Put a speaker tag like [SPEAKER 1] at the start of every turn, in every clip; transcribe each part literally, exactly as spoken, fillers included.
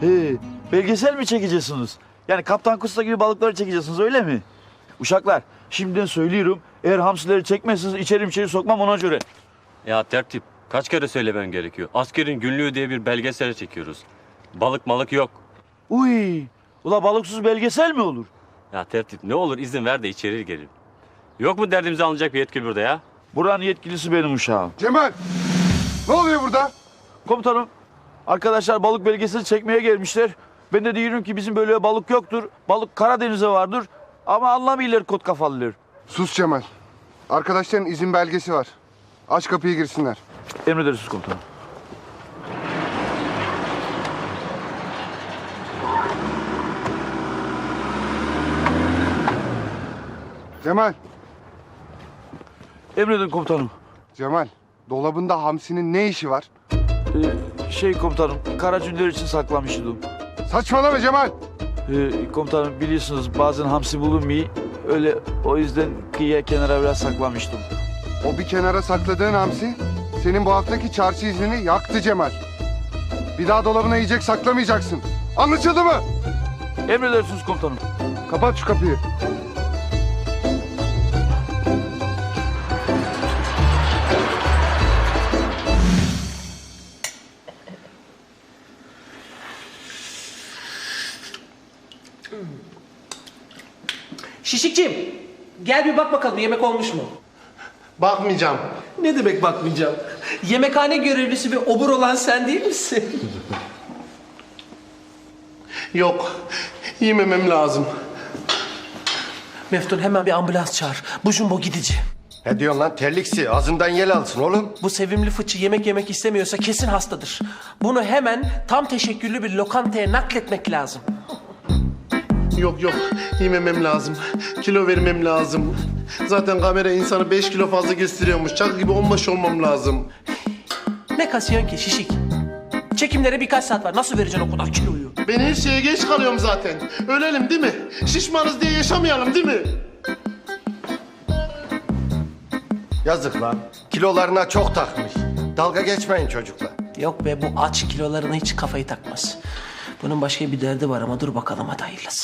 [SPEAKER 1] He, belgesel mi çekeceksiniz? Yani Kaptan Kusta gibi balıkları çekeceksiniz öyle mi? Uşaklar şimdiden söylüyorum. Eğer hamsileri çekmezseniz içeri içeri sokmam ona göre.
[SPEAKER 2] Ya tertip, kaç kere söylemem gerekiyor. Askerin günlüğü diye bir belgesel çekiyoruz. Balık malık yok.
[SPEAKER 1] Uy, ula balıksız belgesel mi olur?
[SPEAKER 2] Ya tertip ne olur izin ver de içeri girelim. Yok mu derdimizi anlayacak bir yetkili burada ya?
[SPEAKER 1] Buranın yetkilisi benim uşağım.
[SPEAKER 3] Cemal! Ne oluyor burada?
[SPEAKER 1] Komutanım, arkadaşlar balık belgeseli çekmeye gelmişler. Ben de diyorum ki bizim böyle balık yoktur. Balık Karadeniz'e vardır. Ama anlamıyorlar kot kafalılar.
[SPEAKER 3] Sus Cemal. Arkadaşların izin belgesi var. Aç kapıyı girsinler.
[SPEAKER 1] Emredersiniz komutanım.
[SPEAKER 3] Cemal!
[SPEAKER 1] Emredin komutanım.
[SPEAKER 3] Cemal, dolabında hamsinin ne işi var?
[SPEAKER 1] Ee, şey komutanım, Karacünler için saklamıştım.
[SPEAKER 3] Saçmalama Cemal!
[SPEAKER 1] Ee, komutanım biliyorsunuz bazen hamsi bulunmuyor. Öyle o yüzden kıyıya kenara biraz saklamıştım.
[SPEAKER 3] O bir kenara sakladığın hamsi senin bu haftaki çarşı iznini yaktı Cemal. Bir daha dolabına yiyecek saklamayacaksın. Anlaşıldı mı?
[SPEAKER 1] Emredersiniz komutanım.
[SPEAKER 3] Kapat şu kapıyı.
[SPEAKER 4] Şişikciğim, gel bir bak bakalım yemek olmuş mu?
[SPEAKER 5] Bakmayacağım.
[SPEAKER 4] Ne demek bakmayacağım? Yemekhane görevlisi ve obur olan sen değil misin?
[SPEAKER 5] Yok. Yememem lazım.
[SPEAKER 4] Meftun hemen bir ambulans çağır. Bu jumbo gidici.
[SPEAKER 6] Ne diyorsun lan terliksi? Ağzından yel alsın oğlum.
[SPEAKER 4] Bu sevimli fıçı yemek yemek istemiyorsa kesin hastadır. Bunu hemen tam teşekküllü bir lokantaya nakletmek lazım.
[SPEAKER 5] Yok yok. Yememem lazım. Kilo vermem lazım. Zaten kamera insanı beş kilo fazla gösteriyormuş. Çak gibi onbaş olmam lazım.
[SPEAKER 4] Ne kasıyorsun ki şişik? Çekimlere birkaç saat var. Nasıl vereceksin o kadar kiloyu?
[SPEAKER 5] Ben her şeye geç kalıyorum zaten. Ölelim değil mi? Şişmanız diye yaşamayalım değil mi?
[SPEAKER 6] Yazık lan. Kilolarına çok takmış. Dalga geçmeyin çocuklar.
[SPEAKER 4] Yok be, bu aç kilolarına hiç kafayı takmaz. Bunun başka bir derdi var ama dur bakalım hadi hayırlısı.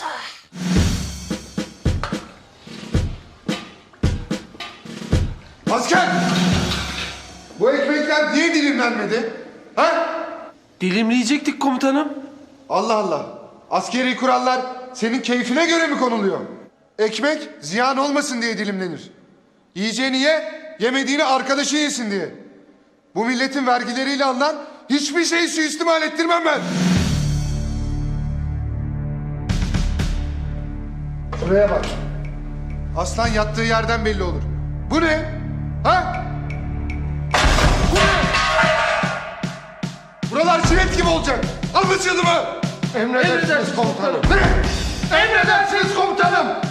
[SPEAKER 3] Asker! Bu ekmekler niye dilimlenmedi? Ha?
[SPEAKER 4] Dilimleyecektik komutanım.
[SPEAKER 3] Allah Allah. Askeri kurallar senin keyfine göre mi konuluyor? Ekmek ziyan olmasın diye dilimlenir. Yiyeceğini ye, yemediğini arkadaşı yesin diye. Bu milletin vergileriyle alınan hiçbir şeyi suistimal ettirmem ben. Şuraya bak. Aslan yattığı yerden belli olur. Bu ne? Ha? Bu ne? Buralar jilet gibi olacak. Anlaşıldı mı? Emredersiniz komutanım. Ne? Emredersiniz komutanım.